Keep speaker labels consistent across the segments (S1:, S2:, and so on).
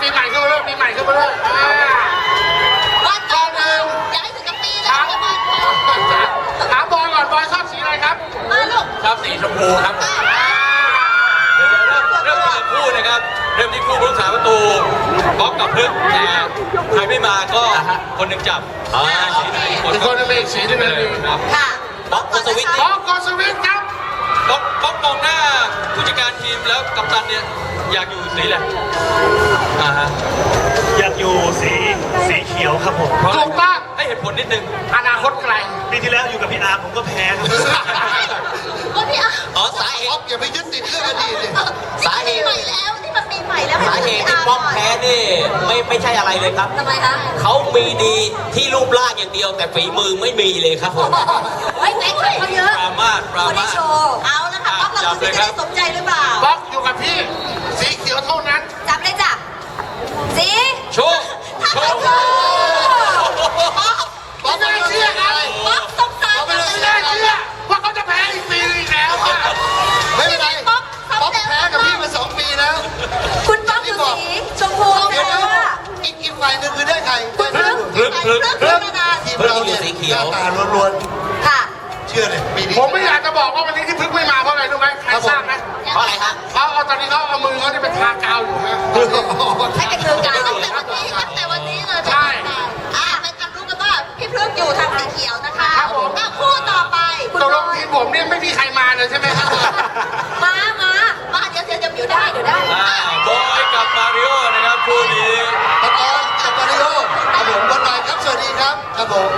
S1: ปีใหม่ขึ้นมาเลยปีใหม่ขึ้นมาเลย
S2: วันต่อหนึ่งย้ายถึงกับปีแล้ว
S1: ถามบอยก่อนบอยชอบสีอะไรครับ
S2: ลูก
S3: ชอบสีชมพูครับเริ่มจากคู่นะครับเริ่มที่คู่ผู้รักษาประตูบล็อกกับพลึกแต่ใครไม่มาก็คนหนึ่งจับ
S1: อีกคนนึงเป็นสีนึงเลย
S2: ค่ะ
S3: บล็อกกอสวิท
S1: บล็อกกอสวิทครับ
S3: บล็อกมองหน้าผู้จัดการทีมแล้วกัปตันเนี่ยอยากอยู่สีอะไร
S4: อยากอยู่สีเขียวครับผม
S1: ถูกต้อง
S3: ให้เหตุผลนิดนึง
S1: อนาคตไกล
S4: ปีที่แล้วอยู่กับพี่อาร์ผมก็แพ้
S2: ก็พี่อา
S3: สาเหตุ
S5: อย่าไปยึดติดเรื่องอดีตเลย
S2: สาเหตุใหม่แล้วที่มันปีใหม่แล้ว
S3: สาเหตุที่ป๊อกแพ้นี่ไม่ใช่อะไรเลยครับ
S2: ทำไมคะ
S3: เขามีดีที่รูปร่างอย่างเดียวแต่ฝีมือไม่มีเลยครับผม
S2: เฮ้ยแม็กซ์เขาเยอะ
S3: ปรามาส
S2: โชว์เอาแล้วค่ะป๊อกเราจะได้สมใจหรือเปล่า
S1: ป๊อกอยู่กับพี่สีเขียวเท่านั้น
S2: จับเลยจ้ะสี
S3: โชว์
S1: ป๊อกไม่ได้เชื่อครับ
S2: ป๊อกสงสาร
S1: ไม่ได้เชื่อว่าเขาจะแพ้อีกปีนึงแล้ว
S5: ไม่เป็นไรป๊อกแพ้กับพี่มา2 ปีแล้ว
S2: คุณป๊อกอยู่สีชมพู
S5: เดี๋ยวอีกฝ่ายหนึ่งคือได้ใคร
S2: คุณพลึก
S5: ทีมเราเนี่ยหน้าตาล้วน
S2: ๆค่ะ
S5: เชื่อเลยปีนี้
S1: ผมไม่อยากจะบอกว่าวันนี้ที่พึกไม่มาเพราะอะไรรู้ไหมใครทราบไหม
S3: เพราะอะไรครับ
S1: เขาเอาตอนนี้เขาเอามือเขาที่เป็นทากาวอยู่ฮะ
S2: ให้เป็นมือกาวตั้งแต่วันนี้เลย
S1: ใช่
S2: เป็นการรู้กันว่าพี่พลึกอยู่ทางสีเขียวนะคะคู่ต่อไป
S1: ตกลงทีมผมเนี่ยไม่มีใครมาเลยใช่ไหมครับ
S2: มาเดี๋ยวได้
S3: บอยกับมาริโอนะครับคู่นี้
S5: ปะกอนกับมาริโอครับผมวันใหม่ครับสวัสดีครับครับผม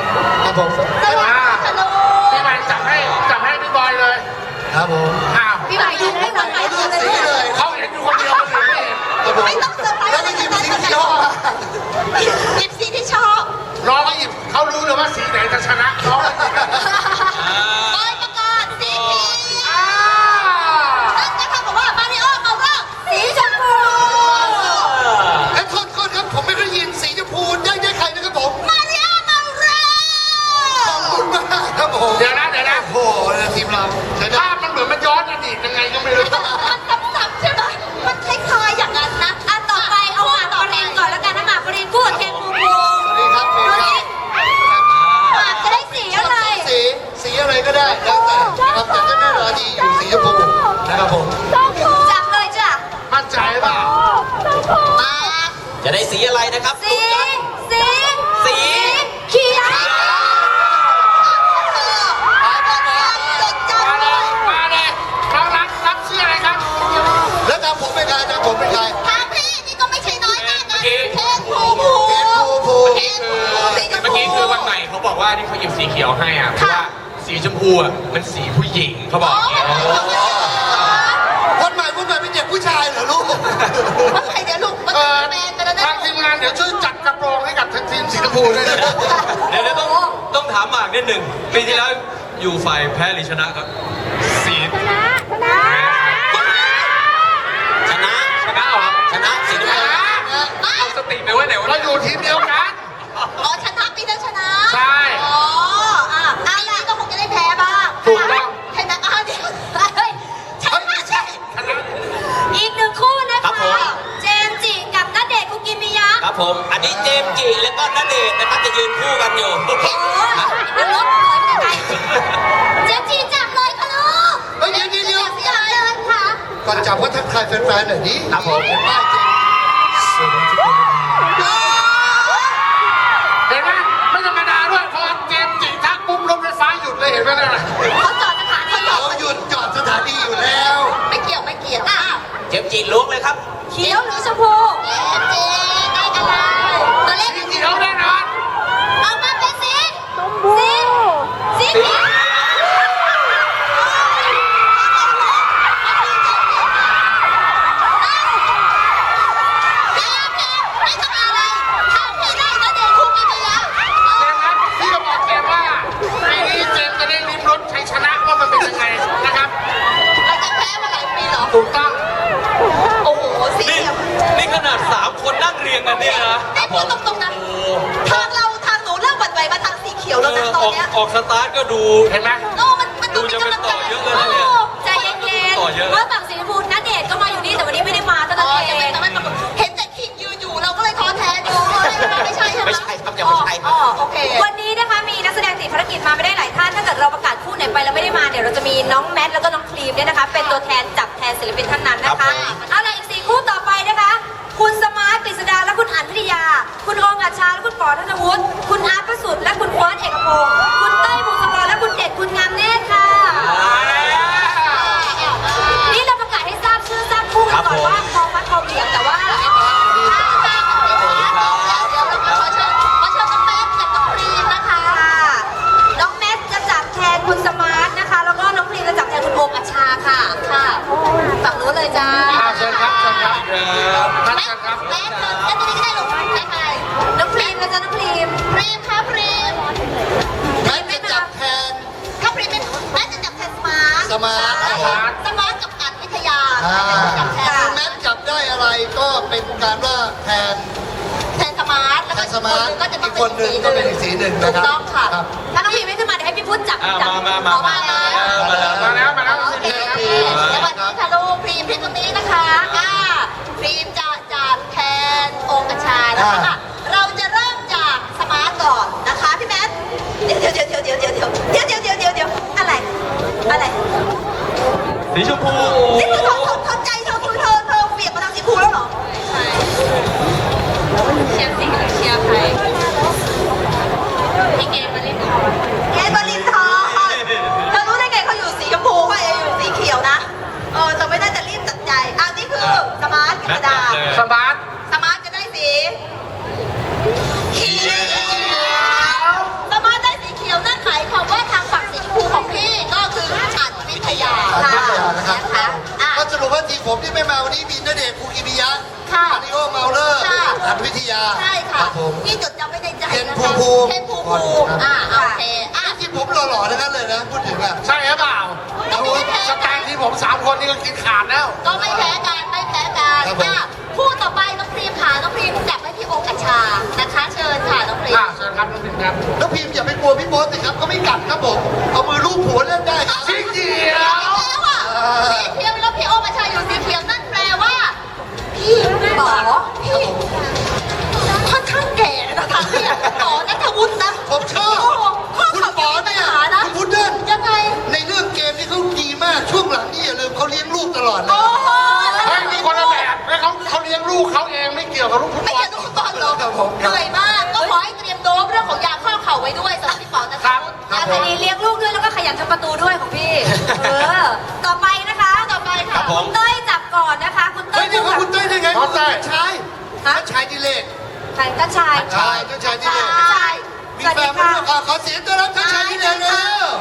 S1: พี่ใหม่จับให้พี่บอยเลย
S5: ครับผม
S2: พี่ใหม่ดูให้วันใหม่
S5: เลย
S1: เขาเห็นอยู่คนเดียวคนอื่นไม่เห็น
S2: ไม่ต้องเซอร์ไพรส์
S5: แล้วก็หยิบสีที่ชอบ
S2: หยิบสีที่ชอบ
S1: น้องก็หยิบเขารู้เลยว่าสีไหนจะชนะน้อง
S2: บอยประกาศสีเขียวนั่นนะคะบอกว่ามาริโอเอาเรื่องสีชมพู
S5: โทษครับผมไม่ได้ยินสีชมพูได้ใครนะครับผม
S2: มาริโอมาเร็ว
S5: ขอบคุณมากครับผม
S1: เดี๋ยวนะ
S5: โอ้โหทีมเรา
S1: ภาพมันเหมือนมันย้อนอดีตยังไงก็ไม่รู้
S2: มันซ้ำๆใช่ไหมมันคล้ายๆอย่างนั้นนะต่อไปเอาหมากปรินก่อนแล้วกันนะหมากปรินพูดแทนภูมิ
S5: สวัสดีครับ
S2: หมากจะได้สีอะไร
S5: สีอะไรก็ได้แล้วแต่ครับแต่ก็แน่นอนดีอยู่สีชมพูนะครับผม
S2: จับเลยจ้ะ
S1: มั่นใจเปล่า
S2: มา
S3: จะได้สีอะไรนะครับ
S2: สีเขียว
S1: มาเลยเรารับชื่ออะไรครับ
S5: แล้วจำผมเป็นใคร
S2: ทางพี่นี่ก็ไม่ใช่น้อยนะเคนภูเ
S3: มื่อกี้คือวันใหม่เขาบอกว่าที่เขาหยิบสีเขียวให้อ่ะเพราะว่าสีชมพูอ่ะมันสีผู้หญิงเขาบอก
S5: วันใหม่เป็นเด็กผู้ชายเหรอลูก
S2: วันใหม่เดี๋ยวลูกแมนไปแล้วนะ
S1: ทางทีมงานเดี๋ยวช่วยจัดกระโปรงให้กับทีมสีชมพูด้วยนะ
S3: เดี๋ยวต้องถามหมากนิดหนึ่งปีที่แล้วอยู่ฝ่ายแพ้หรือชนะครับสีชนะเหรอชนะสีชนะเอาสติไปไว้ไหนวะ
S1: เราอยู่ทีมเดียวกัน
S2: ชนะปีนั้นชนะ
S1: ใช่
S2: ปีนี้ก็คงจะได้แพ้บ้าง
S1: ถูกต้อง
S2: ชนะเดี๋ยวใช่อีกหนึ่งคู่นะคะเจมส์จิกับณเดชน์คุกิมิยะ
S3: ครับผมอันนี้เจมส์จิแล้วก็ณเดชน์นะครับจะยืนคู่กันอยู่
S2: โอ้ยรถถอยไปไกลเจมส์จิจับเลยค่ะลูก
S5: เดี๋ยว
S2: จับเลยค่ะ
S5: ก่อนจับก็ทักทายแฟนๆหน่อยดิ
S3: ครับผม
S5: ป้าเจมสวัสดีทุกคน
S1: เห็นไหมไม่ธรรมดาด้วยพอเจมส์จิทักปุ๊บรถไฟฟ้าหยุดเลยเห็นไหมเนี่ย
S2: เขาจอดสถานี
S5: เขาหยุดจอดสถานีอยู่แล้ว
S2: ไม่เกี่ยว
S3: เจมส์จิล้วงเลยครับ
S2: เขียวหรือชมพูเจได้อะไรตัวเลข
S1: สีเขียวแน่นอน
S2: เอามาเป็นสีเขียว
S1: ถูกต้อง
S2: โอ้โหสี
S3: นี่ขนาด3 คนนั่งเรียงกันเนี่ยนะ
S2: พูดตรงๆนะทางหนูเริ่มหวั่นไหวมาทางสีเขียวแล้วนะตอนนี้
S3: ออกสตาร์ทก็ดู
S1: เห็นไหม
S2: มันดูจะเป็นต่อเยอะเลยนะเนี่ยใจเย็นๆเพราะฝั่งสีชมพูณเดชน์ก็มาอยู่นี่แต่วันนี้ไม่ได้มาตั้งแต่เห็นแต่ทีมยืนอยู่เราน้องแมทแล้วก็น้องครีมเนี่ยนะคะ เป็นตัวแทนจับแทนศิลปินท่านนั้นนะคะเอาล่ะอีก4คู่ต่อไปนะคะ คุณสมาร์ทกฤษดาและคุณอัญวิทยา คุณโอมอัชชาและคุณปอธนวุฒิคุณอาร์ตประสุทธิ์และคุณเฟิร์สเอกพงศ์คุณเต้ยพงศกรและคุณเด็ดคุณงามเนตรค่ะนี่เราประกาศให้ทราบชื่อทราบคู่กันก่อนว่าคอฟัดคอเหวี่ยงแต่ว่า น้องแมทจะจับแทนคุณสมาร์ทนะคะ แล้วก็น้องพรีมจะจับแทนคุณโอมอัชชาค่ะฝั่งนู้นเลยจ้า
S1: เชิญครับเชิญครับท่านเชิญครับ
S2: แมทตัวนี้ก็ได้ลงใครน้องพรีมนะจ๊ะน้องพรีมพรีมค่ะพรีม
S5: แม่จะจับแทน
S2: ถ้าพรีมเป็นแมทจะจับแทนสมาร์ท
S5: สมาร์ท
S2: สมาร์ทกับอัญวิทยา
S5: จับแทนแม่จับได้อะไรก็เป็นการว่าแทน
S2: แทนสมาร์ทแล้ว
S5: แท
S2: ก็
S5: นสมาร์ทอีกคนหนึ่งก็เป็นอีกสีหนึ่ง
S2: ถู
S5: นะ
S2: ก
S5: ครับ
S2: ต้องค่ะ
S5: ครับ
S2: ถ้าน้องพรีมไม่ขึ้นมาเดี๋ยวให้พี่พุทธจับ
S3: มา
S2: แล้ว
S1: มาแล้ว
S2: โอเคสวัสดีค่ะลูกพรีมตรงนี้นะคะพรีมจะจับแทนโอมอัชชานะคะเราจะเริ่มจากสมาร์ทก่อนนะคะพี่แมทเดี๋ยวอะไร
S3: สีชมพู
S2: นี่คือเธอใจเธอคือเธอเปลี่ยนมาทางสีชมพูแล้วเหรอใช่เชียร์สีหรือเชียร์ใครพี่เกมบรินทร์เธอรู้ได้ไงเขาอยู่สีชมพูว่าอยู่สีเขียวนะเธอไม่น่าจะรีบตัดใจนี่คือสมาร์ทธรรมดา
S1: สมาร์ท
S2: สมาร์ทจะได้สีเขียวสมาร์ทได้สีเขียวนั่นหมายความว่าทางฝั่งสีชมพูของพี่ก็คืออัญวิทยา
S5: นะครับก็สรุปว่าทีมผมที่ไม่มาวันนี้มีณเดชน์คูกิมิยะ
S2: ค่ะ
S5: มาริโอเมาเลอร์
S2: ค่ะ
S5: อันวิทยา
S2: ใช่
S5: ค
S2: ค่ะ
S5: รับผม
S2: พี่จดจำไม่ในใจ
S5: เคน
S2: นะ
S5: ภู
S2: คะ
S5: มิ
S2: เคนภูมิ โอเค
S5: ทีมผมหล่อๆทั้งนั้นเลยนะพูดถึงอ่ะ
S1: ใช่หรือเปล่าสแตนที่ผม3 คนนี่ก็กินขาดแล้ว
S2: ก็ไม่แพ้กันคู่ต่อไปน้องพรีมค่ะน้องพรีมจับให้พี่โอมอัชชานะคะเชิญค่ะน้องพรีม
S1: เชิญครับน้องพิมครับ
S5: แล้วพิมพ์อย่าไปกลัวพี่โบ๊ทสิครับเขาไม่กัดครับผมเอามือลูบหัวเล่นได้ครับ
S1: สีเขียว
S2: แล้วอ่ะสีเขียวแล้วพี่โอมอัชชาอยู่สีเขียวนั่นแปลว่าพี่ป๋อพี่ค่อนข้างแก่นะคะเนี่ยป๋อนัทวุฒินะ
S5: ผมชอบคุณปอเนี่ยคุณพุดเดิ้ล
S2: ยังไง
S5: ในเรื่องเกมนี่เขาดีมากช่วงหลังนี่อย่าลืมเขาเลี้ยงลูกตลอดเลย
S2: โอ้โห
S1: เฮ้ยมีคนละแบบแล้วเขาเลี้ยงลูกเขาเองไม่เกี่ยวกับลูกฟุต
S2: ไม่
S1: บอล
S2: ใช่ลูกฟุตบอลหรอกเหนื่อยมากก็ขอให้เตรียมโดบเรื่องของยาข้อเข่าไว้ด้วยสำหรับพี่ป๋อนะคะอาคดีเลี้ยงลูกด้วยแล้วก็ขยันทำประตูด้วยของพี่ต่อไปนะคะต่อไปค่ะคุณเต้ยจับก่อนนะคะคุณเต้
S5: เฮ้
S2: ย
S5: ยนี่เขาคุณเต้ยได้ไงคุณเต้ยชายชายดิเลก
S2: ใครก็ชาย
S5: ชายดิเลก
S2: ชาย
S5: มี
S2: สวัส
S5: แฟ
S2: ดี
S5: นไหม
S2: ค่ะ
S5: ขอเสียงต้อนรับท่านชายดิเลกเลย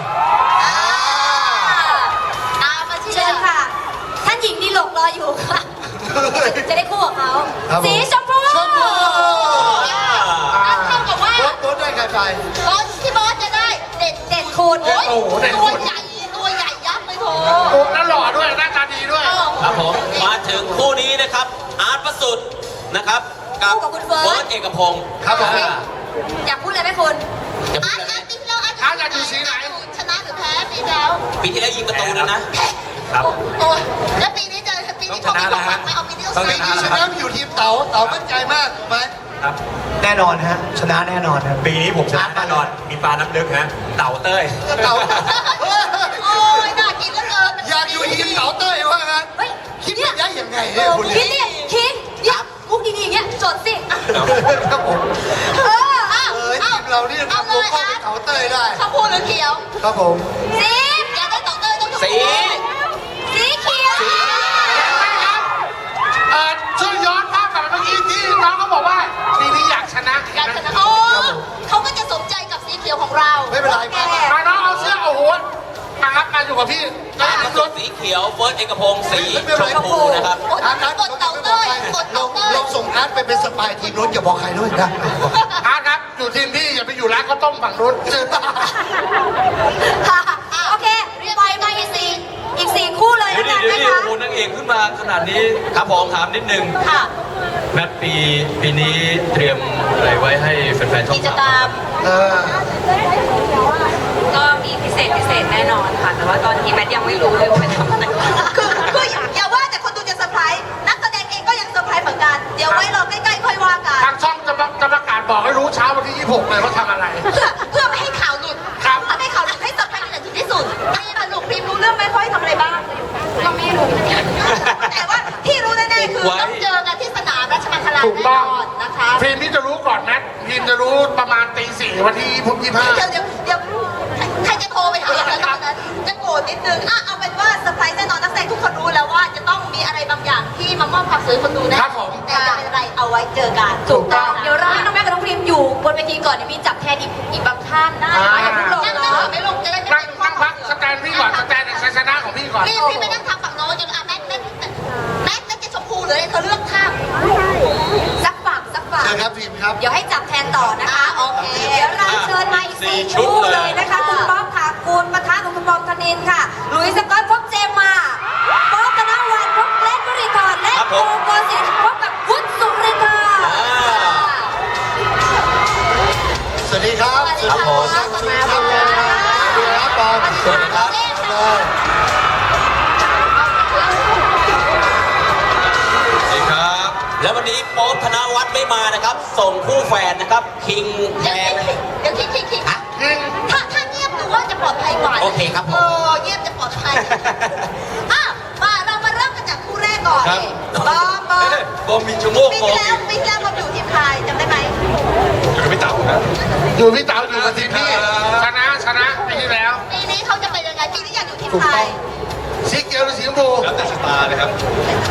S2: มาเชิญค่ะ ท่านหญิงดีหลกรออยู่ค่ะ จะได้คู่กับเขา สีชมพู
S5: ชมพู
S2: นั่นเท่ากับว่า
S5: โบ๊ทได้ใครไป
S2: พี่บอสจะได้เด่นคุณตัวใหญ่ยักษ์เลยโถ
S1: ปุ๊บแล้วหล่อด้วยหน้าตาดีด้วย
S3: ครับผมมาถึงคู่นี้นะครับอาร์ตประสุทธิ์นะครับกับเฟิร์สเอกพงศ์
S5: ครับผม
S2: อยากพูดอะไรไหมคุณ
S3: จะพูดอะไร
S2: ปีที่แล้ว
S1: อยากอยู่สีไหน
S2: ชนะหรือแพ้ปีแล้ว
S3: ปีที่แล้วยิงประตูแล้วนะครับ
S2: โอ้แล้วปีนี้เจอปีนี้เขาไม่บอกไม่เอาปีนี้
S5: ปีนี้ชนะอยู่ทีมเต๋ามั่นใจมากถูกไหม
S6: ครับแน่นอนฮะชนะแน่นอนครับ
S4: ปีนี้ผมชนะแน่นอน มีปลาน้ำลึกฮะ เต่าเต้ย
S5: เต๋า
S2: โอ้ยน่ากินเหลือเกิน
S5: อยากอยู่ทีมเต๋าเต้ยว่างั้น
S2: เฮ้ย
S5: คิดได้ยังไงเนี่ยคุณ
S2: คิดเนี่ยมุกดีๆอย่างเงี้ยจดสิ
S5: ครับผม ทีมเราเนี่ย
S2: เอา
S5: ทำ
S2: เล
S5: วง
S2: ย
S5: เข้าไปเต๋าเต้ยได้
S2: ชมพูหรือเขียว
S5: ครับผม
S2: สีอยากได้ต่อเต้ยต้องชมพู
S3: สี
S2: สีเขียว
S1: ช่วยย้อนภาพกลับไปเมื่อกี้ที่น้องเขาบอกว่าปีนี้อยากชนะ
S2: อยากชนะโอ้เขาก็จะสมใจกับสีเขียวของเรา
S5: ไม่เป็นไรมา
S1: มาน้องเอาเสื้อโอ้โหครับมาอยู่กับพี่
S3: อาร์ตประสุทธิ์สีเขียวเฟิร์สเอกพงศ์สีชมพูนะครับ
S2: กดเต่าเต้ยกด
S5: ล
S2: เต่าง เต้ย
S5: ลงส่งอาร์ตไปเป็นสปายทีมนู้นอย่าบอกใครด้วยนะ
S1: ครับอยู่ทีมพี่อย่าไปอยู่ร้านข้าวต้มฝั่งนู้น
S2: โอเคปล่อยมาอีกสี่คู่เลย
S3: เดี๋ยว
S2: นะ
S3: ดิ
S2: คะ
S3: โอ้โหนางเอกขึ้นมาขนาดนี้ครับผมถามนิดนึง
S2: ค่ะ
S3: แมทปีนี้เตรียมอะไรไว้ให้แฟนๆช่อง
S2: กิจกรรม
S7: ก็มีพิเศษแน่นอนค่ะ แต่ว่าตอนนี้แมทยังไม่รู้เลยว่าเป็นทำอะไร
S2: คืออย่าว่าแต่คนดูจะเซอร์ไพรส์นักแสดงเองก็ยังเซอร์ไพรส์เหมือนกัน เดี๋ยวไว้รอใกล้ๆค่อยว่ากัน
S1: ทางช่องจะประกาศบอกให้รู้เช้าวันที่ 26 เลยว่าทำอะไร
S2: เพื่อไม่ให้ข่าวหลุด
S1: ครับ
S2: ไม่ให้ข่าวหลุดให้เซอร์ไพรส์กันถึงที่สุดนี่สนุกพิมพ์รู้เรื่องไหมนาน
S1: ถูก
S2: แน่
S1: ต้อง
S2: นอนนะคะ
S1: ฟิล์มนี่จะรู้ก่อนแมทฟิล์มจะรู้ประมาณตี 4วันที่25
S2: เดี๋ยวใครจะโทรไปหาแล้วตอนนั้นจะโกรธนิดนึงเอาเป็นว่าเซอร์ไพรส์แน่นอนนักแสดงทุกคนรู้แล้วว่าจะต้องมีอะไรบางอย่างที่มามอบความสวยให้คนดูนะครับ
S1: ผม
S2: แต่จะเป็นอะไรเอาไว้เจอกัน
S1: ถูกต้อง
S2: เดี๋ยวเราให้น้องแม่กับน้องพิมอยู่บนเวทีก่อนเดี๋ยวมีจับแทนอีกบางท่านได้ไหมอย่าเพิ่งลงเนาะไม่ลงจะได้ไม่
S1: นั่งพักสแตนพี่ก่อนสแตนชัยชนะของพี่ก่อน
S2: พี่ไม่นั่งทางฝั่งโน้นจนแม็กจะชมพูเลยเธอเลือกข้างสักฝั่ง
S5: เชิญครับทีมครับ
S2: เดี๋ยวให้จับแทนต่อนะคะโอเคเดี๋ยวเราเชิญมาอีก4ชุดเลยนะคะคุณป๊อปค่ะคุณประธานของคุณบอมธนินค่ะหลุยส์สกอตพบเจมมาป๊อปธนวัฒน์พบเล็กวริธรและโกโกศิลป์พบกับพุทธสุรินทร์
S5: สวัสดีครับ
S2: สวัสดีครับ
S5: สวัสดีครับสวัสดีครับปอมสวัสดีครับเลย
S3: สวัสดีครับ
S4: แล้ววันนี้โป๊ปธนวัฒน์ไม่มานะครับ ส่งคู่แฝดนะครับ คิงแทน
S2: เดี๋ยวคิดถ้าเงียบดูว่าจะปลอดภัยกว่า
S4: โอเคครับผม
S2: เงียบจะปลอดภัยเรามาเริ่มกันจากคู่แรกก่อน
S3: ครับ
S2: บอม
S3: บอมมีชั่วโมง
S2: ปี
S3: บอม
S2: ที่แล้วบอมอยู่ทีมไทยจำได้ไหม
S3: อยู่กับพี่เต๋านะ
S1: อยู่พี่เต๋าอยู่กับทีมพี่ชนะปีที่แล้ว
S2: ปีนี้เขาจะเป็นยังไงปีนี้อยากอยู่ทีมไทย
S1: สีเขียวหรือสีชมพู
S3: แล้วแต่สตาร์เลยครับ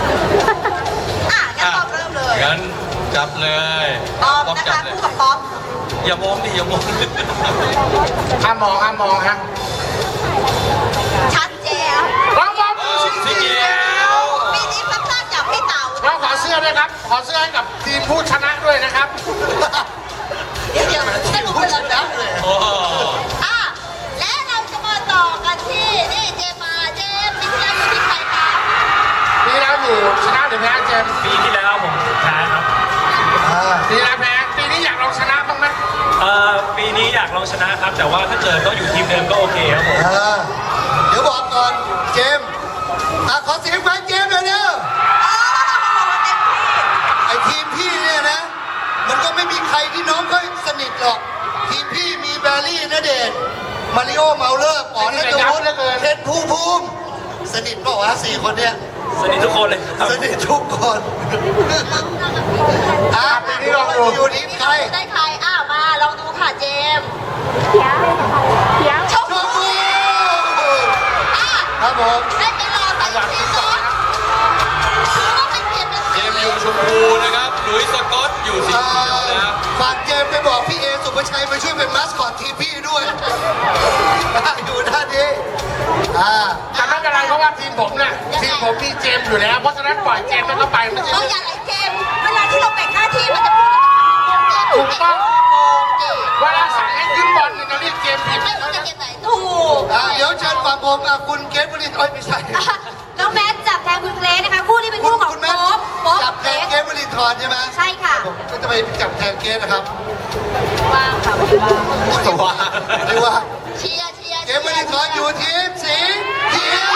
S2: งั้นบอมเริ่มเลย
S3: งั้นจับเลย
S2: บอมนะ
S3: จั
S2: คะ
S3: เลย
S2: คู่กับป๊อป
S3: อย่ามองดิอย่ามอง
S1: ห้ามมองฮะ
S2: ชัดเจน
S1: บอมสีเขียว
S2: ปีนี้พัฒนาจากพี่เต๋า
S1: เราขอเสื้อด้วยครับ ขอเสื้อให้กับทีมผู้ชนะด้วยนะครับ
S2: เดี๋ยวจะรู้เป็นแล้วนะ
S3: โอ้
S2: และเราจะมาต่อกันที่นี่เจมปีที่แล้วอยู่ที่ใครคะ
S1: ปีแล้วอยู่ชนะหรือแพ้เจมส์
S8: ปีที่แล้วผมแพ้ครับ
S1: ปีแล้วแพ้ปีนี้อยากลองชนะบ้างไหม
S8: ปีนี้อยากลองชนะครับ แต่ว่าถ้าเกิดต้องอยู่ทีมเดิมก็โอเคครับผม
S5: เดี๋ยวบอกก่อนเจมส์ขอเสียงแฟนเจมส์หน่อยเร็วไอทีมพี่เนี่ยนะ มันก็ไม่มีใครที่น้องเขาสนิทหรอก ทีมพี่มีแบร์รี่ณเดชน์มาริโอเมาเลอร์ปอนและโจวุฒิเทนภูมิสนิทเปล่าวะ4 คนเนี่ย
S8: สนิททุกคนเลยครับ
S5: สนิททุกคนปีนี้ลองดูอยู่ทีมใคร
S2: ได้ใครมาลองดูค่ะเจมชม
S5: ช
S2: พู
S5: มพูครับผม
S2: ได้ไปรอใส่ทีมก่อนถือว่าเป็นเกียรติเป็น
S3: เจ
S2: สี
S3: มส์อยู่ชมพูนะครับหลุยส์สกอตอยู่สีเขียวนะ
S5: ฝากเจมส์ไปบอกพี่เอสุภชัยมาช่วยเป็นมัสคอตทีมพี่ด้วยอยู่ด้านนี้
S1: แต่ไม่เป็นไรเพราะว่าทีมผมเนี่ยทีมผมมีเจมส์อยู่แล้ว เพราะฉะนั้นปล่อยเจมส์แล้วก็ไปไม่ใช่
S2: เรา
S1: เรื่อง
S2: อย่าไหลเจมเวลาที่เราแบ่งหน้าที่มันจะ
S1: ถูกต้องเวลาสั่งให้ขึ้นบอลเนี่ยเราเรียกเจมส์ผิด
S2: ไม่รู้จะเกมไหนถูก
S5: เดี๋ยวเชิญฝั่งผมคุณเกรทบรินไม่ใช่
S2: น้องแมทจับแทนคุณเกรซนะคะคู่นี้เป็นคู่ของ
S5: คุณแม่
S2: ป๊อป
S5: จับ
S2: เก
S5: แท
S2: ร
S5: น
S2: ซ
S5: เกรทบรินทร์ใช่ไหม
S2: ใช่ค่ะ
S5: ผมก็จะไปจับแทนเกรทนะครับ
S2: ว่างค่ะ
S3: ว่า
S5: หรือว่า
S2: เชียร์
S5: เกรทบรินทร์อยู่ทีมสีเขียว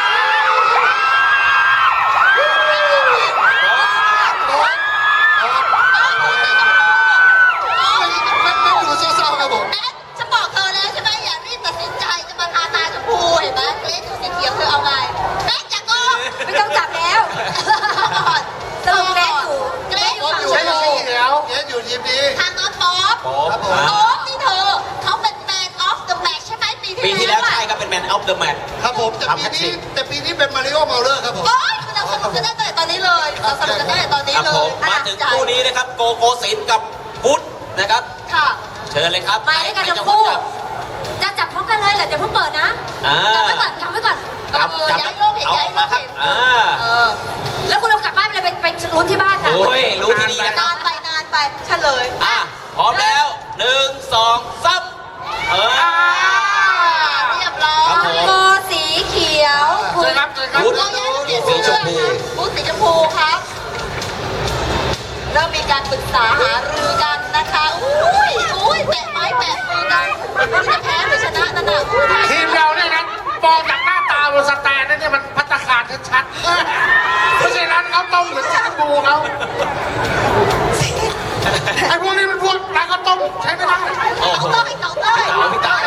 S5: มันดูเศร้าๆครับผม
S2: แมทฉันบอกเธอแล้วใช่ไหมอย่ารีบตัดสินใจจะมาทาตาชมพูเห็นไหมเกรซดูสีเขียวเธอเอาไงแมทจะโกงไม่ต้องจับแล้วสรุปเกรซอยู่
S5: ใช่
S2: ฝั่ง
S5: สีเขียวเกรทอยู่ทีมนี้
S2: ทางน้องป๊อป
S5: ครับผม
S2: ป๊อปนี่เธอเขาเป็น Man of the Match ใช่ไหมปี
S4: ปีที่
S2: ที่
S4: แล้
S2: แล้ว ว
S4: ใช่ครับเป็นแมนออฟเดอะแมตช์
S5: ครับผมแต่ปีนี้เป็นมาริโอเมาเลอร์ครับผม
S2: โอ๊ยเราสนุกกันได้ตั้งแต่ตอนนี้เลยเราสนุกกันได้ตั้งแต่ตอนนี้
S4: ครับ
S2: เล
S4: ผ
S2: ย
S4: มมาถึงคู่นี้นะครับ โกโกศิลป์กับพุทธนะครับ
S2: ค่ะ
S4: เชิญเลยครับ
S2: มาด้วยกัน
S4: ให้
S2: ทั้ง
S4: เจ้า
S2: คู่
S4: จับ
S2: จะจับพร้อมกันเลยเหรอเดี๋ยวเพิ่งเปิดนะ
S4: อ่า
S2: จับไว้ก่อน
S4: จับ
S2: ย้ายโลกเห็น
S4: เอา
S2: ย้ายโล
S4: มาก ครับ
S2: เห็น แล้วคุณเอากลับบ้านไปเลยไปลุ้นที่บ้านค่ะ
S4: โอ้ยรู้ที่นี่นะครับ
S2: นานไปเฉลย
S4: พร้อมแล้ว1 2 3
S2: เรียบร้อย
S4: ครับผม
S2: โกสีเขียว
S1: เจอครับเจอครับ
S4: พุทธ
S2: เราย้ายเปลี่ยน
S4: สีชมพู
S2: พูสีชมพูครับเริ่มมีการปรึกษาหารือกันนะคะอุ้ยแปะไม้แปะมือกันไม่รู้จะแพ้หรือชนะนั่นน่ะอุ้ย
S1: ทีมเราเนี่ยนะมองจากหน้าตาบนสแตนนั่นเนี่ยมันพัตตาคารชัดๆไม่ใช่ร้านข้าวต้มหรือร้านบูเขาไอ้พวกนี้มันพวกร้านข้าวต้มใช้ไม่ได้
S4: โอ้โห
S2: เต้ยเต้ย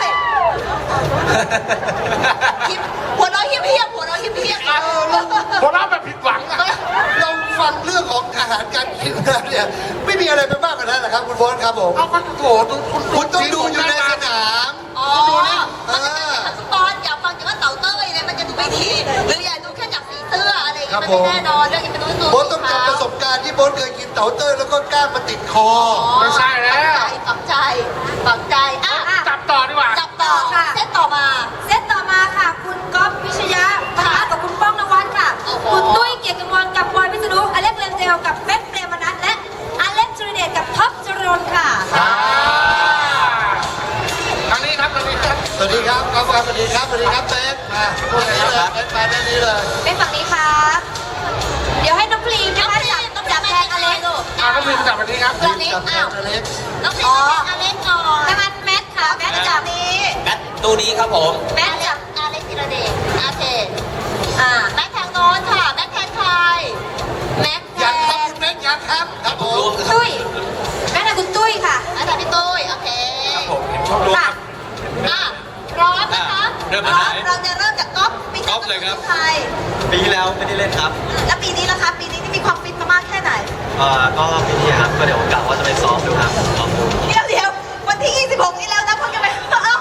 S2: หัวน้อยเฮี้ยหัวน้อยเฮี้ย
S1: ผมเล่าแบบผิดหวังอ่ะ
S5: เราฟังเรื่องของอาหารการกินเนี่ยไม่มีอะไรไปมากกว่านั้นนะครับคุณโบอสครับผม
S1: เอาก็โถคุณ
S5: คุณต้องดูอยู่ในสนาม
S2: อ๋อ
S1: ดูนี่
S2: มันจะเป็นฟุตบอลอย่าฟังจากว่าเต่าเต้ยเนี่ยมันจะดูไม่ดีหรืออย่าดูแค่จากสีเสื้ออะไรอย่างเงี้ยมันไม่แน่นอนเรื่องนี้เป็นตัว
S5: โบอสต้องจำประสบการณ์ที่โบอสเคยกินเต๋าเต้ยแล้วก็กล้างมาติดคอ
S1: ไม่ใช่แล้ว
S2: ฝังใจฝังใจอ่ะ
S1: จับต่อดีกว่า
S2: จับต่อค่ะเซตต่อมาเซตต่อมาค่ะ คุณก๊อฟพิชยะปะทะกับคุณป้องนวัดค่ะ คุณตุ้ยเกียรติกมลกับบอยพิษณุอเล็กเรนเดลกับเป๊กเปรมนัทและอเล็กจูเดตกับท็อปจรนค่ะ
S1: ทางนี้ครับทางนี้ครับ
S5: สวัสดีครับครับสวัสดีครับสวัสดีครับเป๊กมาพวกนี้เลยเป๊กมาด้านนี้เลย
S2: เป็นฝั่งนี้ครับเดี๋ยวให้น้องพรีมนะคะจับแทนอเล็ก
S1: น้องพิมจับวันนี้ครับ
S2: ฝั่งนี้
S5: จับแท
S2: อ้าน ว
S5: อเล็ก
S2: น้องพรีมจับอเล็กก่อนถ้างั้นแมทค่ะแมทจับนี้
S4: แมตตู้นี้ครับผม
S2: แมทจับอเล็กธีรเดชโอเคแมททางโน้นค่ะแมทแทนใครแมทแท
S5: ยันครับ
S2: น
S5: คุณเป๊กยันครับครับผม
S2: ตุ้ยแม่นคุณตุ้ยค่ะอาจารย์พี่ตุ้ยโอเค
S3: ครับผมเห็นชอบรู้ครับ
S2: พร้อมนะคะ
S3: เริ่มจากไหน
S2: เราจะเริ่มจากก๊อฟปี
S3: ก๊อฟเลยครับ
S2: ไทย
S3: ปีที่แล้วไม่ได้เล่นครับ
S2: แล้วปีนี้ล่ะคะปีนี้ที่มีความฟิตมามากแค่ไหน
S3: ก็ปีนี้ครับก็เดี๋ยวกะว่าจะไปซ้อมดูครับซ้อมดู
S2: เดี๋ยววันที่ 26 นี้แล้วนะเพิ่งจะไปก๊อฟ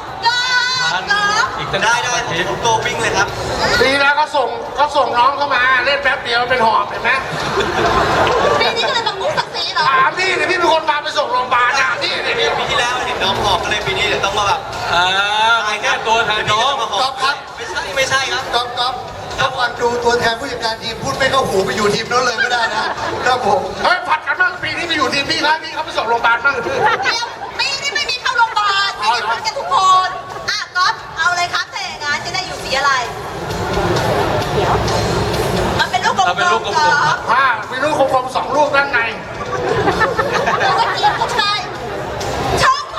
S3: อีกได้ผมตัววิ่งเลยครับ
S1: ปีแล้วก็ส่งน้องเข้ามาเล่นแป๊บเดียวเป็นหอบเห็นไหม
S2: ปีนี้ก็เลยต้องมุกศักดิ์ศรีเหรอ
S1: ถามพี่เนี่ยพี่เป็นคนพาไปส่งโรงพยาบาลอ่ะพี่เนี่ยพี่
S3: ปีที่แล้วเห็นน้องหอบก็เลยปีนี้เดี๋ยวต้องมาแบบแก้ตัวแทนน้อง
S5: ก๊อฟครับ
S3: ไม่ใช่ครับ
S5: ก๊อฟถ้าฟังดูตัวแทนผู้จัดการทีมพูดไม่เข้าหูไปอยู่ทีมโน้นเลยก็ได้นะครับผม
S1: เฮ้ยผัดกันบ้างปีนี้ไปอยู่ทีมพี่แล้วพี่เขาไปส่งโรงพยาบาลบ้าง
S2: เดี๋ยวปีนี้ไม่มีเข้าโรงพยาบาลปีนี้พักกันทุกคนก๊อฟเอาเลยครับแต่อย่างนั้นจะได้อยู่สีอะไรมันเป็นลูกกลม
S3: เราเป็นลูกกลม
S1: ผ้ามีลูกคมๆ2 ลูกด้านใน
S2: หรือว่าทีมผู้ชายช่องโค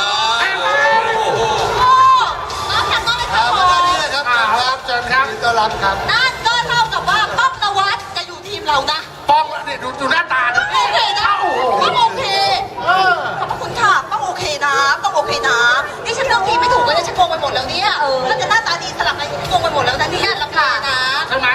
S2: น้องทำน้องไม่
S5: ครั
S2: ทำ
S5: บ
S2: โค
S5: มาด้านนี้เลยครับ
S1: ครับเชิญครับ
S5: ยินดีต้อนรับครับ
S2: นั่นก็เท่ากับว่าป้องนวัดจะอยู่ทีมเรานะ
S1: ป้องนี่ดูหน้าตาดิ
S2: โอเคนะต้องโอเคขอบคุณค่ะต้องโอเคนะต้องโอเคนะนี่ฉันเลือกทีมไม่ถูกเลยนะฉันโกงไปหมดแล้วเนี่ยถ้าจะหน้าตาดีสลับอะไรโกงไปหมดแล้วนะเนี่ยลำคาญนะ
S1: ใช่ไหม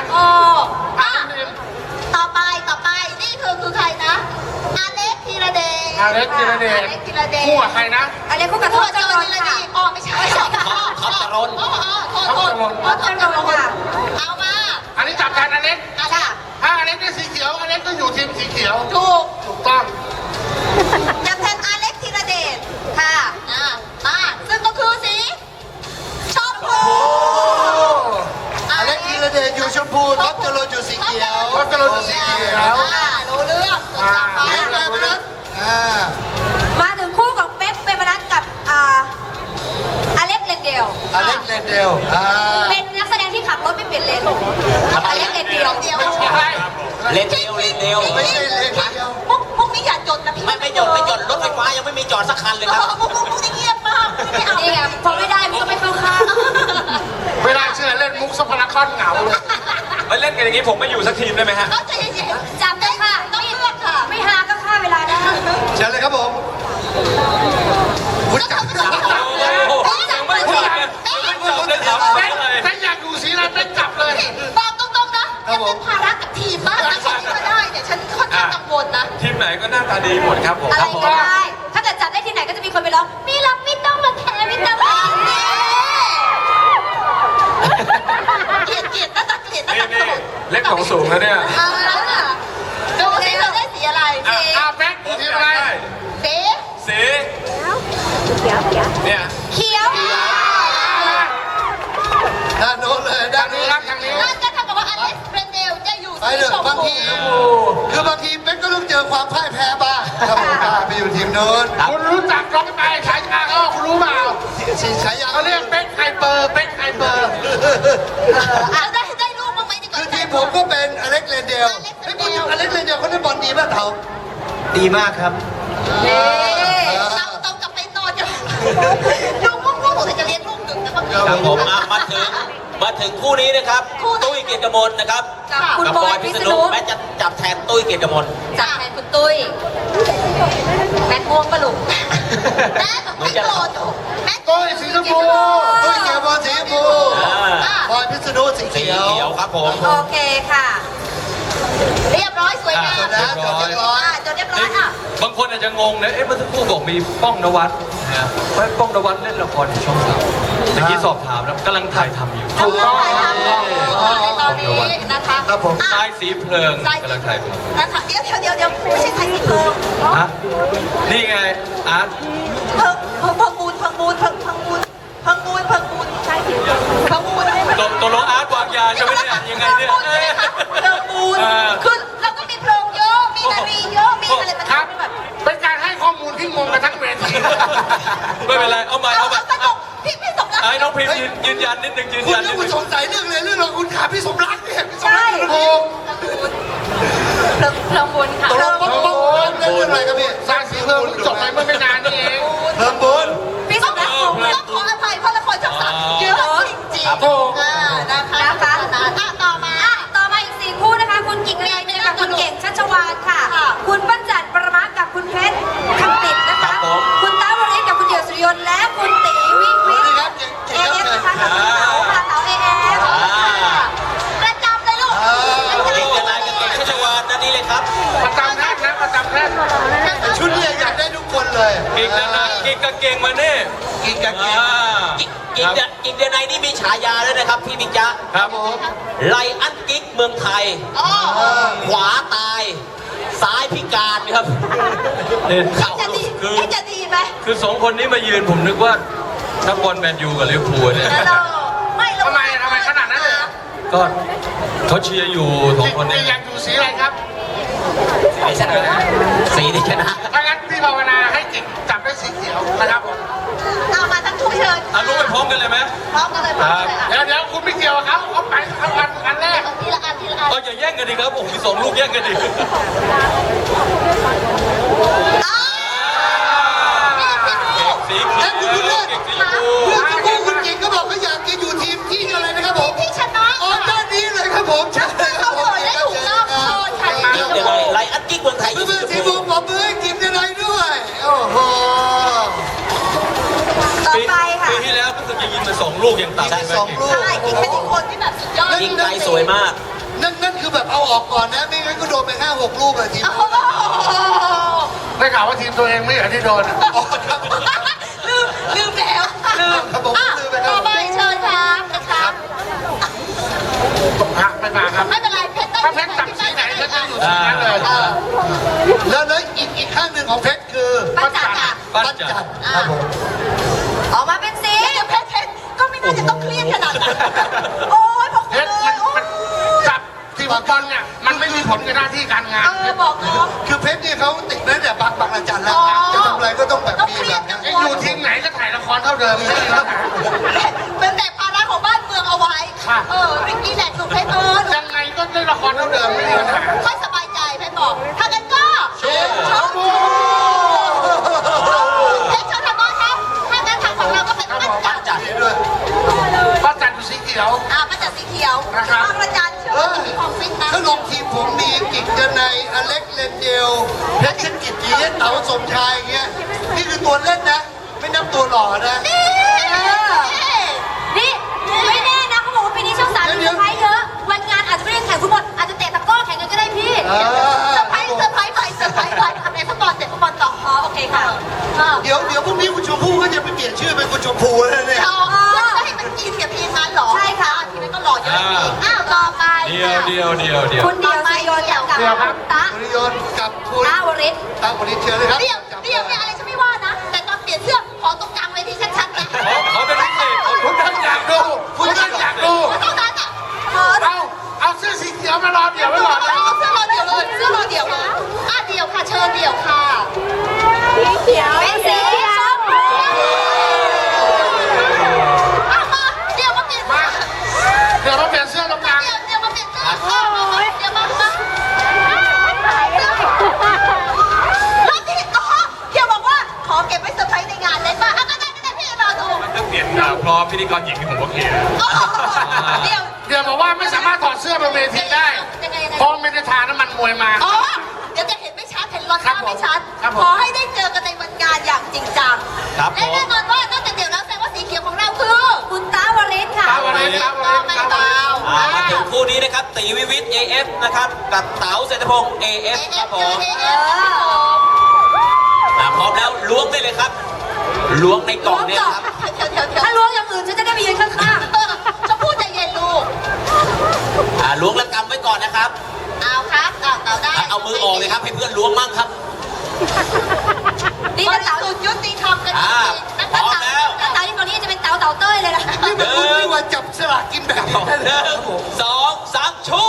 S2: ต่อไปนี่คือใครนะอเล็กธีรเดช
S1: อเล็กธีรเดช
S2: อเล็กธีรเดช
S1: คู่กับใครนะ
S2: อเล็กคู่กับท็อปจรนค่ะอ๋อไม่ใช่ท็อปจรนท็อปจรนค่ะเอามา
S1: อันนี้จับแทนอเล็ก
S2: ค่ะ
S1: ถ้าอเล็กได้สีเขียวอเล็กก็อยู่ทีมสีเขียว
S2: ถูก
S1: ถูกต้อง
S2: จับแทนอเล็กธีรเดชค่ะซึ่งก็คือสีชมพู
S5: อเล็กธีรเดชอยู่ชมพูท็อปจรนอยู่สีเขียว
S1: ท็อปจรนอยู่สีเขียว
S2: รู้เรื่องต่อไป
S5: เล็กมาไปนะา
S2: มาถึงคู่ของเป๊กเปรมนัทกับอเล็กเรนเดล
S5: อเล็กเลนเดล
S2: เป็นนักแสดงที่ขับรถไม่เปลี่ยนเลนอเล็กเรนเดล
S1: ไม่ใช่
S4: เล่นเดียวเล่นเดียว
S5: ไม่ใช่เลนเดียว
S2: มุกนี้อย่าจดนะพี่
S4: ไม่หยดรถไฟฟ้ายังไม่มีจอดสักคันเลยครับ
S2: มุกนี้เงียบมากไม่เอานี่ไงพอไม่ได้มันก็ไม่เข้าข้าง
S1: ไม่น่าเชื่อเล่นมุกสปาร์คอนเหงาเลย
S3: มาเล่นกันอย่างนี้ผมไม่อยู่สักทีมได้ไหมฮะ
S2: ก็ใจเย็นๆจำได้ค่ะต้องเลือกค่ะ ไม่หาก็ฆ่าเวลาได้
S5: เชิญเลยครับผมคุณจับ
S3: ยังไม่จบเลยไม่จบเลยถาม
S1: เป๊ก
S3: เลย
S1: เป๊กอยากอยู่สีอะไรเป๊กจับเลย
S2: บอกตรงๆนะอย่าเป็นภาระกับทีมมากนะฉันก็ได้แต่ฉันค่อนข้างกังวลนะ
S3: ทีมไหนก็หน้าตาดีหมดครับผม
S2: อะไรก็ได้ ถ้าเกิดจัดได้ที่ไหนก็จะมีคนไปร้องมีรักไม่ต้องมาแคร์ไม่ต้องมาเกลียดน่าจะเกลียดน่าจะโกรธ
S3: เล็กของสูงแล้วเนี่ย
S2: ดูสิเราได้สีอะไรสี
S1: เป๊กอยู่ทีมอะไร
S2: สี
S3: สีเนี่ย
S2: เขียว
S5: ด้านโน้นเลยด้า
S1: ทาน งนี้
S5: นี้
S1: ครับทางนี้
S2: นั่นก็เท่ากับว่าอเล็กซ์เบรนเดลจะอยู่
S5: ไป
S2: สี
S5: เถ
S2: ช
S5: อะ
S2: ม
S5: บาง
S2: พู
S5: ทีคือบางทีเป๊กก็ต้องเจอความพ่ายแพ้บ้างครับผมไปอยู่ทีมโน้น
S1: คุณรู้จักร้องไปฉายาเขาคุณรู้เปล่า
S5: สีฉายา
S1: เขาเรียกเป๊กไฮเปอร์เป๊กไฮเปอร์
S2: ได้รูปบ้างไหมดีกว่า
S5: คือทีมผมก็เป็นอเล็กเลนเดลอเล็กเลนเดลเขาเล่นบอลดีมากเขา
S6: ดีมากครับ
S2: เราต้องกลับไปนอนกันดูพวกผมจะเรียนลูกหนึ่งนะบางที
S4: ครับผมมาถึงคู่นี้นะครับ ตุ้ยเกียรติกมลนะครับ
S2: คุณ
S4: กับบ
S2: อ
S4: อย ย
S2: พิ
S4: พิ
S2: ษ
S4: ษ
S2: ณุ
S4: ณุแม้จะจับแทนตุ้ยเกียรติกมล
S2: จับแทนคุณตุ้ยแมทม่วงปะลุกแมทไม่โกรธแมท
S1: ตุ้ยสีชมพู
S5: ตุ้ยเกียร์บอลสีชมพูบอยพิษณุสี
S4: สี
S5: เขียว
S4: เขียวครับผม
S2: โอเคค่ะ เรียบร้อยสวยงาม
S5: นะจบเรียบร้อย
S2: ร้อยอ่ะ
S3: บางคนอาจจะงงนะเอ๊ะเมื่อสักครู่บอกมีป้องนวัดนะฮะว่าป้องนวัดเล่นละครอยู่ช่องสามเมื่อกี้สอบถามแล้วกำลังถ่ายทำอยู่
S2: ถูกต้องในตอนนี้นะคะ
S5: ครับผม
S3: สายสีเพลิงกำลังถ่ายทำ
S2: นะคะเดี๋ยวไม่ใช่ไทยสีเพลิง
S3: ฮะนี่ไงอาร์ต
S2: พังบูนใช่สีเพลิงพังบูน
S3: ตัวลงอาร์ตวางยาใช่ไหมเนี่ยยังไงเนี่ย
S2: เพลิงบูนคือเราก็มีเพลิงเยอะมีนารีเยอะมีอะไรมัน
S1: ครับ
S2: แบบ
S1: เป็นการให้ข้อมูลที่งงกันทั้งเวที
S3: ไม่เป็นไรเอาใหม่
S2: สนุกพี่สมรัก
S3: ไอ้น้องพิมพ์ยืนยันนิดนึงยืน
S5: คุณ
S3: ยันนิ
S5: ยั
S3: ด
S5: ง
S3: นึง
S5: สงสัยเรื่องเลยเรื่องของคุณขาพี่สมรักเนี่ยพี่สม
S2: ใช่
S5: รักโอ้
S7: เพลิงบุญค่ะ
S5: ตกลงป๊อกเรื่องอะไรครับพี่
S1: สร้างสีเพิ่มจบไปเมื่อไม่นานนี่เอง
S5: เพิ่มบุญ
S2: พี่สมรักต้องขออภัยเพราะละครช่องสามเยอะจริงๆนะคะต่อมาอีก4คู่นะคะคุณกิ่งเนยกับคุณเก่งชัชวานค่ะ คุณปั้นจันประมากับคุณเพชรคำติดนะคะคุณต้าวริศกับคุณเดี่ยวสุริยนต์และคุณตีวิวิทเอเอฟนะคะกับคุณเต๋าค่ะเต๋าเอเอฟประจำเลยลูก
S4: เก่งจะนายกับเก่งชัชวานนั่นนี่เลยครับ
S1: ประจำแรกนะประจำแรก
S5: ชุดเนี่ยอยากได้ทุกคนเลย
S3: เก่งนะเก่งกับเก่งมาเนี่ย
S5: กินกับกิน
S4: กิ๊กเดือนในนี่มีฉายาด้วยนะครับพี่บิ๊กจ๊ะ
S3: ครับ
S4: ไลอันกิ๊กเมืองไทย ขวาตาย ซ้ายพิการครับ
S3: เนี่ย
S2: จะดี
S3: คือ
S2: จะดีไหม
S3: คือสองคนนี้มายืนผมนึกว่านักบอลแมนยูกับลิเวอร์พูลเนี่ย
S2: ไม่
S1: ทำไมขนาดนั้นเลยเหรอ
S3: ก็เขาเชียร์อยู่สองคน
S1: นี่
S3: เนี่ย
S1: ยังอยู่สีอะไรครับ
S4: สีที่ชนะ
S1: ถ้างั้นพี่ภาวนาให้กิ่งจับได้สีเขียวนะครับผม
S2: เอามาทั้งคู่เชิญ
S3: อ่ะรู้ไปพร้อมกันเลยไหม
S2: พร้อมกันเลยพร้อมกันเลย
S1: เดี๋ยวคุณไม่เกี่ยวกับเขาไปอันแรก
S2: ทีละอัน
S3: ก็อย่าแย่งกันดิครับโอ้โหมีสองลูกแย่งกันดิ สีเขียว
S5: แล้วคุณบุญเลิศ
S3: เก่งสีชม
S5: เพื่
S3: พู
S5: อนคู่คุณกิ่งก็บอกเขาอยากจะอยู่ทีมที่อะไรนะครับผม
S2: ที่ชนะ
S5: อ๋อด้านนี้เลยครับผมใช่ครับผม
S2: ได้ถูกรอบโชว์ชัย
S4: กิ๊กเดือนในไลอันกิ๊กเมืองไทย
S5: เพื่อนๆทีมผมปรบมือให้กินยังไงด้วย โอ้โห
S2: ต่อไปค่ะ
S3: ปีที่แล้วรู้สึกจะยิงมาสองลูกอย่างต่ำ
S5: ใช่
S3: ใช่ไหม
S5: สองลูก
S2: ใช่กิ๊กเป็นอีกคนที่แบบสุดยอด
S4: กิ๊กไทยสวยมาก
S5: นั่นคือแบบเอาออกก่อนนะ ไม่งั้นก็โดนไป 5-6 ลูกอะทีม
S2: โอ้โห
S1: ได้ข่าวว่าทีมตัวเองไม่เหรอที่โดน
S5: อ๋อครับ
S2: ลืมแล้ว
S5: ครับผมลืมไปครับ
S2: ต่อไปเชิญครับนะคะ
S1: ไม่มาครับ
S2: ไม่เป็นไรเพชร
S1: ถ้าเพชรจับสีไหนเพชรจะอยู่สีนั้นเลย
S5: แล้วอีกข้างหนึ่งของเพชรคือ
S2: ปั้นจันทร์
S3: ปั้น
S5: ปั้น
S3: จั
S5: จั
S3: น
S5: นทร์ครับผม
S2: ออกมาเป็นสีเพชรก็ไม่น่าจะต้องเครียดขนาดนั้นโอ้ยพวก
S1: เพ
S2: คุณ
S1: ชร
S2: เลย
S1: มันจับทีมฟุตบอลเนี่ยมันไม่มีผลกับหน้าที่การงาน
S2: บอกน้อง
S5: คือเพชรเนี่ยเขาติดมาตั้งแต่บางระจันแล้วครับจะทำอะไรก็ต้องแบบมีแบบนี้
S1: ไอ้อยู่ทีมไหนก็ถ่ายละครเท่าเดิมไม่มีปัญหา
S2: เป็นแต่ภาระของบ้านเมืองเอาไว้ริกกี้แหละถูกเพชร
S1: ยังไงก็ได้ละครเท่าเดิมไม่มีปัญหา
S2: ค่อยสบายใจเพชรบอกถ้างั้นก็
S5: โชว์
S2: เพชรชนบครับถ้างั้นทางฝั่งเราก็เป็นปั้นจันทร์
S5: นี่ด้วย
S1: ก็จัดอยู่สีเขียว
S2: ปั้นจันทร์สีเขียวบางระจันเชื่อว่าจะมีความฟิตนะ
S5: ถ้าลงทีมผมมีกิ่งเจนในอเล็กเลนเดลเพชรชนกิจจีเต๋าสมชายอย่างเงี้ยนี่คือตัวเล่นนะ ไม่นับตัวหล่อนะ
S2: นี่ไม่แน่นะเขาบอกว่าปีนี้ช่องสามมีเซอร์ไพรส์เยอะวันงานอาจจะไม่ได้แข่งฟุตบอลอาจจะเตะตะกร้อแข่งกันก็ได้พี่เซอร์ไพรส์ไปทำในฟุตบอลเตะฟุตบอลต่อโอเคค่ะ
S5: เดี๋ยวพรุ่งนี้คุณชมพู่ก็จะไปเปลี่ยนชื่อเป็นคุณชมพูแล้วเนี่ย
S2: จะให้มันกินกับทีมนั้นหรอใช่ค่ะทีมนั้นก็หล่อเยอะอีกต่อไป
S3: เดียวคุณเดียว
S2: คุณเดียวซีโยนกับตา
S5: คุณยนต์กับคุณ
S2: ตาวริศ
S5: ตั้งวันนี้เชิญเลยครับ
S2: เดี๋ยวเนี่ยอะไรฉันไม่ว่านะ แต่ตอนเปลี่ยนเสื้อขอตรงกลางเวทีชัดๆนะ
S3: เขาเป็นพิเศษ
S1: คุณท่านอยากดูคุณท่านอยากดู
S2: เท่านั้นอ่ะ
S1: เอาเสื้อสีเขียวมารอเดี๋ยวไว้ก่อนนะ
S2: เสื้อรอเดี่ยวเลยเสื้อรอเดี่ยวนะเดี่ยวค่ะเชิญเดี่ยวค่ะสีเขียวเป็นสีชมพูมาเดี๋ยวมาเปลี่ยน
S1: มาเดี๋ยวมาเปลี่ยนเสื้อตรงกลาง
S2: เดี๋ยวมาเปลี่ยนเสื้อเดี๋ยวมาแล้วที่เดี๋ยวบอกว่าขอเก็บไว้เซอร์ไพรส์ในงานเลยป่ะก็ได้พี่รอดู
S3: มันจะเปลี่ยนพร้อมพิธีกรหญิงที่ผมโอเคนะ
S2: เดี๋ยว
S1: บอกว่าไม่สามารถถอดเสื้อบนเวทีได้เพราะไม่ได้ทาน้ำมันมวยมา
S2: เดี๋ยวจะเห็นไม่ชัดเห็นรอนหน้าไม่ชัดขอให้ได้เจอกันในวันงานอย่างจริงจังและแน่นอนว่านอกจากเดี๋ยวแล้วแสดงว่าสีเขียวของเราคือคุณตาวริศค่ะไม่เบา
S4: มาถึงคู่นี้นะครับตีวิวิท AF นะครับกับเต๋าเศรษฐพงศ์ AF ครับผม
S2: เอ
S4: ล้วงในกล่องเนี่ยครับ
S2: ถ้าล้วงอย่างอื่นฉันจะได้ไปยืนข้าง
S9: ชมพู่ใจเย็นลูก
S4: ล้วงแล้วกำไว้ก่อนนะครับ
S9: เอาครับเอาได้
S4: เอามือออกเลยครับให้เพื่อนล้วงมั่งครับ
S2: ๆนี่
S9: บ
S2: นะ
S9: ริ
S2: เต๋า
S9: สุทธิ์ยุติธรรมกันจริงๆนะ
S4: พร้
S9: คะ
S4: อมแล้ว
S2: เต๋าที่ตอนนี้จะเป็นเต๋าเต้ยเลยนะ
S5: นี่มันคุณไม่ว่าจับสลากกินแบ่งได้เลย
S4: 1 2 3ชู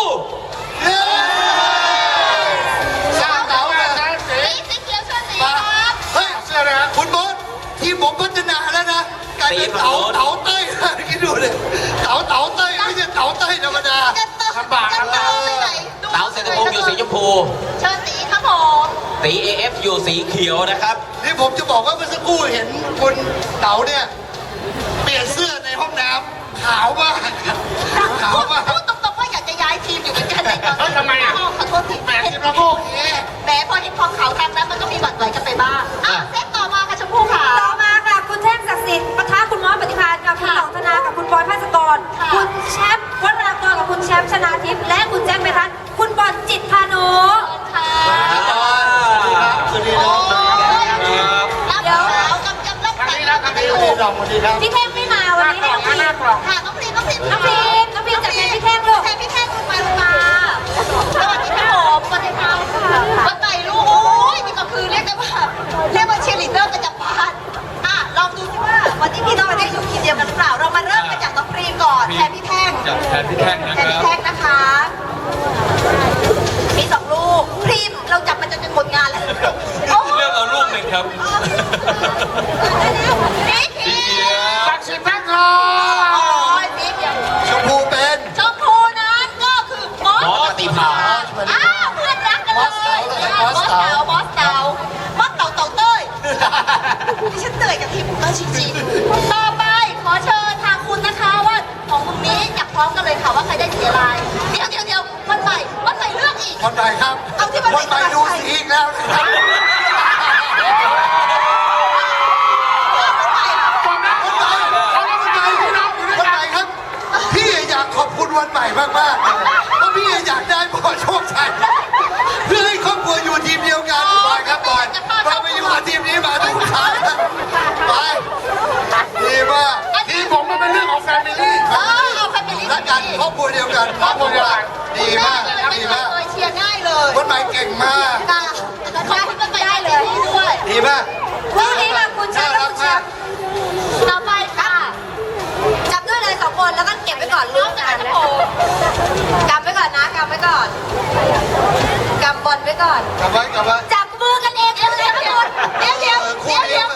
S5: สร้างเต๋าเลย
S9: สีเขียวเชิญสีค
S5: มา
S9: รับ
S5: เฮ้ยเสื้อเลยคุณบอสทีมผมพัฒนาแล้วนะกลายเป็นเต๋าเต้ยคิดดูเลยเต๋าเต้ยไม่ใช่เต๋าเต้ยธรรมดา
S9: ลำบากไปไหน
S4: เต๋าเศรษฐพงศ์อยู่สีชมพู
S9: เชิญสีครับผม
S4: ตี AF อยู่สีเขียวนะครับ
S5: นี่ผมจะบอกว่าเมื่อสักครู่เห็นคุณเต๋าเนี่ยเปลี่ยนเสื้อในห้องน้ำขาวมากขาวมาก
S9: พูดตรงๆว่าอยากจะย้ายทีมอยู่เหมือนกันในตอน
S1: เฮ้ยทำไมอ่ะ
S9: ขอโทษที
S1: แหมทีมเราก็โอเค
S9: แหมพอเห็นความขาวทางนั้นมันก็มีบัตรไหวกันไปบ้างเซตต่อมาค่ะชมพู่ค่ะ
S2: ต่อมาค่ะคุณเทพศักดิ์สิทธิ์ปะทะคุณมอสปฏิภาณกับคุณหลองธนากับคุณบอยภาสกร
S9: ค่ะ
S2: คุณแชมป์วัฒนากรกับคุณแชมป์ชนาทิพย์และคุณแจ็คเมทัศน์คุณบอลจิตพานุ
S9: ค่ะ
S5: สวัสดีครับ
S9: รับขาวกำรับ
S1: ทางนี้นะทางนี้
S5: สวัสดีครับสวัสดีครับ
S2: พี่เท่งไม่มาวันนี้ให้น้องพีม
S1: หน้ากล่อง
S9: ค่ะน้องพรีมน้องพรีม
S2: น้องพีมจัดแทนพี่เท่งลูก
S9: แทนพี่แท่งคุณมาลงมาสวัสดีครับผมสวัสดีครับวันใหม่ลูกโอ้ยนี่ก็คือเรียกได้ว่าเชียร์ลีดเดอร์ประจำบ้านลองดูสิว่าวันนี้พี่น้องได้อยู่ทีมเดียวกันหรือเปล่าเรามาเริ่มกันจากน้องพรีมก่อนแทนพี่แท่ง
S3: จากแทนพี่แท่งนะ
S9: แทน
S3: ครั
S9: พี่
S3: บ
S9: แท่งนะคะ มี2 ลูกพรีมเราจับมันจนหมดงานแล้ว
S3: เลือกเอาลูกหนึ่งครับ
S9: นี่พรีม
S1: ศักดิ์สิทธิ์แพ็คทอ
S9: โอ้
S1: ง
S9: ยพรีมอย่าง
S5: ชมพูเป็น
S9: ชมพูนั้นก็คือมอส
S4: มอสปฏิภาณ
S9: เพื่อนรักกันเลยมอสเต๋ามอสเต๋าเต้ยดิฉันเหนื่อยกับทีมมากจริงๆต่อไปขอเชิญทางคุณนะคะว่าของคุณนี้อยากพร้อมกันเลยค่ะว่าใครได้สีอะไรเดี๋ยววันใหม่เลือกอีก
S5: วันใหม่ครับ
S9: เอาที่มัน
S5: วันใหม่ดูสีอีกแล้วนะครับ
S1: ฟังนะเขาต้องการพี่น้องอยู่ด้วย
S5: วัน
S1: กั
S5: ให
S1: น
S5: ม่ครับ พี่อยากขอบคุณวันใหม่มากๆเพราะพี่อยากได้บอลโชคชัยเพื่อให้ครอบครัวอยู่ทีมเดียวกันบอยครับบอยเราไปอยู่กับทีมนี้มาถูกทางแล้วไปดีมาก
S1: ทีมผมมันเป็นเรื่องของแฟมิลี่
S9: เอาแฟมิลี่
S5: รักกันครอบครัวเดียวกันครอบครัวเดียวกันดีมากดีมาก
S9: เลยเชียร์ง่ายเลย
S5: วันใหม่เก่งมาก
S9: ค่ะขอบคุณวันใหม่ได้เลยด้วย
S5: ดีมาก
S2: คู่นี้ค่ะคุณแชมป์และคุณแชมป์
S9: ต่อไปค่ะ
S2: จับด้วยเลย2 คนแล้วก็เก็บไว้ก่อนลูกกันนะกำไว้ก่อนนะกำไว้ก่อนกำบอลไว้ก่อน
S5: กลับไว้
S2: จับมือกันเองเลยทุกคน
S9: เดี๋ยว